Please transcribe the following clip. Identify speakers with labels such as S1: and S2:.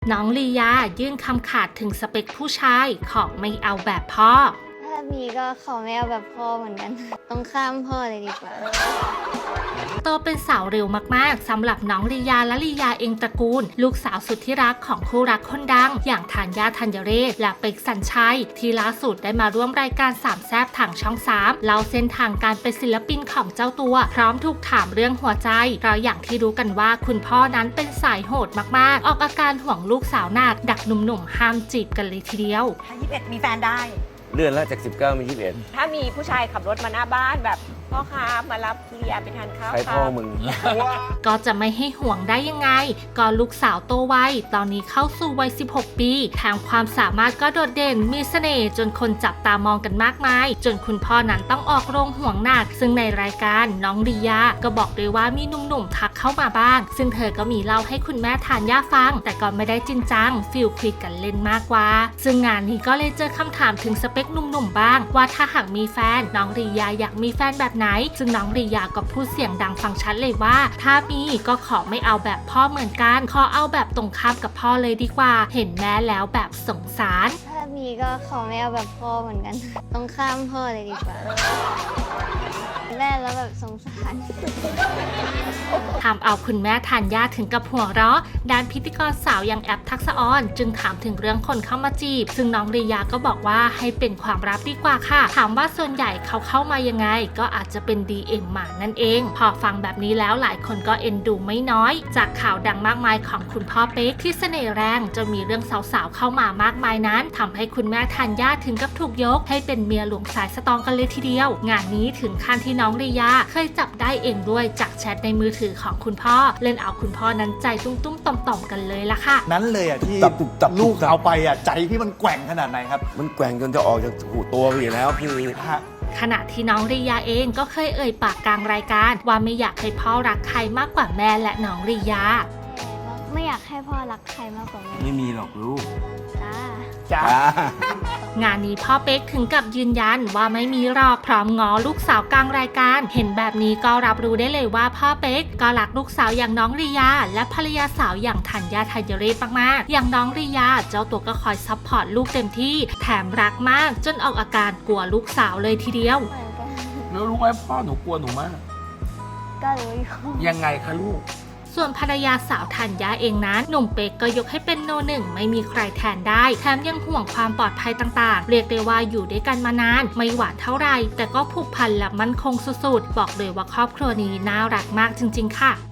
S1: น้องลียายื่นคำขาดถึงสเปคผู้ชายของไม่เอาแบบพ่อ
S2: ถ้ามีก็ขอไม่เอาแบบพ่อเหมือนกัน ต้องข้ามพ่อเลยดีกว่า
S1: โตเป็นสาวเร็วมากๆสำหรับน้องลียาและลียาเองตระกูลลูกสาวสุดที่รักของคู่รักคนดังอย่างธัญญา ธัญเรศและเป็กสัญชัยที่ล่าสุดได้มาร่วมรายการสามแซ่บทางช่อง3เล่าเส้นทางการเป็นศิลปินของเจ้าตัวพร้อมถูกถามเรื่องหัวใจเพราะอย่างที่รู้กันว่าคุณพ่อนั้นเป็นสายโหดมากๆออกอาการห่วงลูกสาวหนักดักหนุ่มๆห้ามจีบกันเลยทีเดียว
S3: ถ้า21มีแฟนได้
S4: เลื่อนแล้วจาก19เป็น21
S3: ถ้ามีผู้ชายขับรถมาหน้าบ้านแบบพ่อค้ามารับเลียไปทานข้าว
S4: ใครพ่อมึง
S1: ก็จะไม่ให้ห่วงได้ยังไงก็ลูกสาวโตวัยตอนนี้เข้าสู่วัย16ปีแถมความสามารถก็โดดเด่นมีเสน่ห์จนคนจับตามองกันมากมายจนคุณพ่อนั้นต้องออกโรงห่วงหนักซึ่งในรายการน้องลียาก็บอกเลยว่ามีหนุ่มๆทักเข้ามาบ้างซึ่งเธอก็มีเล่าให้คุณแม่ธัญญาฟังแต่ก็ไม่ได้จริงจังฟิลคุยกันเล่นมากกว่าซึ่งงานนี้ก็เลยเจอคำถามถึงสเปคหนุ่มๆบ้างว่าถ้าหากมีแฟนน้องลียาอยากมีแฟนแบบไหนซึ่งน้องลียาก็พูดเสียงดังฟังชัดเลยว่าถ้ามีก็ขอไม่เอาแบบพ่อเหมือนกันขอเอาแบบตรงข้ามกับพ่อเลยดีกว่าเห็นแม่แล้วแบบสงสาร
S2: ถ้ามีก็ขอไม่เอาแบบพ่อเหมือนกัน ต้องข้ามพ่อเลยดีกว่าแม่แล้วแบบสงสาร
S1: ทำเอาคุณแม่ธัญญาถึงกับหัวเราะด้านพิธีกรสาวอย่างแอปทักษะออนจึงถามถึงเรื่องคนเข้ามาจีบซึ่งน้องลียาก็บอกว่าให้เป็นความลับดีกว่าค่ะถามว่าส่วนใหญ่เขาเข้ามายังไงก็อาจจะเป็น DM มานั่นเองพอฟังแบบนี้แล้วหลายคนก็เอ็นดูไม่น้อยจากข่าวดังมากมายของคุณพ่อเป๊กที่เสน่ห์แรงจนมีเรื่องสาวๆเข้ามามากมายนั้นทำให้คุณแม่ธัญญาถึงกับถูกยกให้เป็นเมียหลวงสายสตรองกันเลยทีเดียวงานนี้ถึงขั้นที่น้องลียาเคยจับได้เองด้วยจากแชทในมือถือของคุณพ่อเล่นเอาคุณพ่อนั้นใจตุ้มๆต่อมๆกันเลยล่ะค่ะ
S5: นั้นเลยอ่ะที่
S4: ตับ
S5: ลูกเอาไปอ่ะใจพี่มันแกว่งขนาดไหนครับ
S4: มันแกว่งจนจะออกจากหูตัวไปอยู่แล้วคือ
S1: ขณะที่น้องลียาเองก็เคยเอ่ยปากกลางรายการว่าไม่อยากให้พ่อรักใครมากกว่าแม่และน้องลียา
S2: ไม่อยากให้พ่อรักใครมากกว่าแม่
S4: ไม่มีหรอกลูก
S5: จ้า
S1: งานนี้พ่อเป๊กถึงกับยืนยันว่าไม่มีหรอกพร้อมง้อลูกสาวกลางรายการเห็นแบบนี้ก็รับรู้ได้เลยว่าพ่อเป๊กก็รักลูกสาวอย่างน้องลียาและภรรยาสาวอย่างธัญญา ธัญเรศมากๆอย่างน้องลียาเจ้าตัวก็คอยซัพพอร์ตลูกเต็มที่แถมรักมากจนออกอาการกลัวลูกสาวเลยทีเดียว
S6: แล้วรู้ไหมพ่อหนูกลัวหนูมาก
S2: ก็รู้อยู่
S6: ยังไงคะลูก
S1: ส่วนภรรยาสาวธัญญาเองนั้นหนุ่มเป๊กก็ยกให้เป็นโนหนึ่งไม่มีใครแทนได้แถมยังห่วงความปลอดภัยต่างๆเรียกได้ว่าอยู่ด้วยกันมานานไม่หวานเท่าไหร่แต่ก็ผูกพันและมั่นคงสุดๆบอกเลยว่าครอบครัวนี้น่ารักมากจริงๆค่ะ